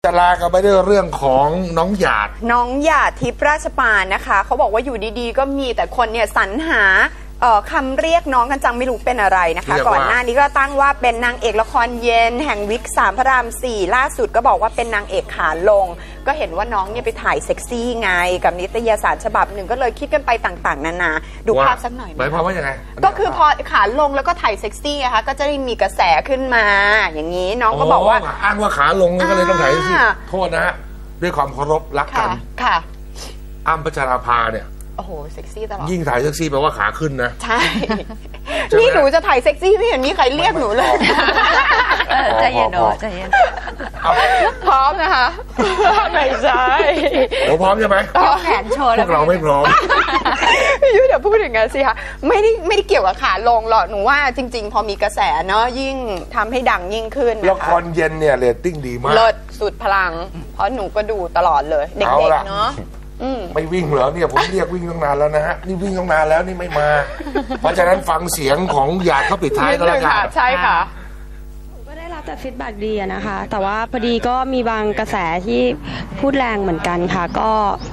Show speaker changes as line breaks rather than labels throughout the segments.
จะลากันไปด้วยเรื่องของน้องหยาด
ทิพย์ราชปานนะคะเขาบอกว่าอยู่ดีๆก็มีแต่คนเนี่ยสรรหาคำเรียกน้องกันจังไม่รู้เป็นอะไรนะคะก่อนหน้านี้ก็ตั้งว่าเป็นนางเอกละครเย็นแห่งวิก3พระราม4ล่าสุดก็บอกว่าเป็นนางเอกขาลงก็เห็นว่าน้องเนี่ยไปถ่ายเซ็กซี่ไงกับนิตยสารฉบับหนึ่งก็เลยคิดกันไปต่างๆนานาดูภาพสักหน่อย
หมายความว่ายังไง
ก็คือพอขาลงแล้วก็ถ่ายเซ็กซี่นะคะก็จะได้มีกระแสขึ้นมาอย่างนี้น้องก็บอกว่า
อ้างว่าขาลงก็เลยต้องถ่ายเซ็กซี่โทษนะฮะด้วยความเคารพรักกัน
ค่ะ
อ้ำพัชราภาเนี่ย
โอ้โหเซ็กซี่ตลอด
ยิ่งถ่ายเซ็กซี่แปลว่าขาขึ้นนะ
ใช่นี่หนูจะถ่ายเซ็กซี่ไม่เห็นมีใครเรียกหนูเลย
ใจเย็นใจเย็น
พร้อมนะคะไม่ใช่
เราพร้อมใช่ไหม
แขนโชว์
พวกเราไม่พร้อม
พี่ยุ้ยเดี๋ยวพูดอย่างนั้นสิคะไม่ได้เกี่ยวกับขาลงหรอกหนูว่าจริงๆพอมีกระแสเนาะยิ่งทำให้ดังยิ่งขึ้น
ละครเย็นเนี่ยเรตติ้งดีมาก
เลิศสุดพลังเพราะหนูก็ดูตลอดเลยเด็กๆเนาะ
ไม่วิ่งเหรอเนี่ยผมเรียกวิ่งตั้งนานแล้วนะฮะนี่วิ่งตั้งนานแล้วนี่ไม่มาเพราะฉะนั้นฟังเสียงของหยาดเขาปิดท้ายก็แล้วกัน
ใช่ค่ะ
ก็ได้รับแต่ฟีดแบ็กดีนะคะแต่ว่าพอดีก็มีบางกระแสที่พูดแรงเหมือนกันค่ะก็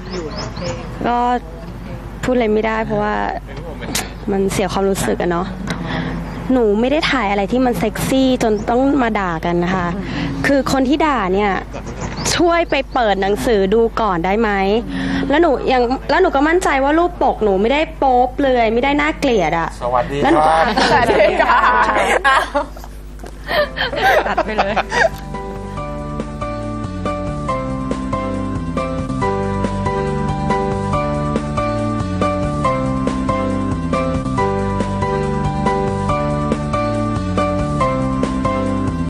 พูดอะไรไม่ได้เพราะว่ามันเสียความรู้สึกอะเนาะหนูไม่ได้ถ่ายอะไรที่มันเซ็กซี่จนต้องมาด่ากันนะคะคือคนที่ด่าเนี่ยช่วยไปเปิดหนังสือดูก่อนได้ไหมแล้วหนูก็มั่นใจว่ารูปปกหนูไม่ได้โป๊บเลยไม่ได้น่าเกลียดอะ
สวัสดีครับ
สวัสดีค่ะ
ตัดไปเลย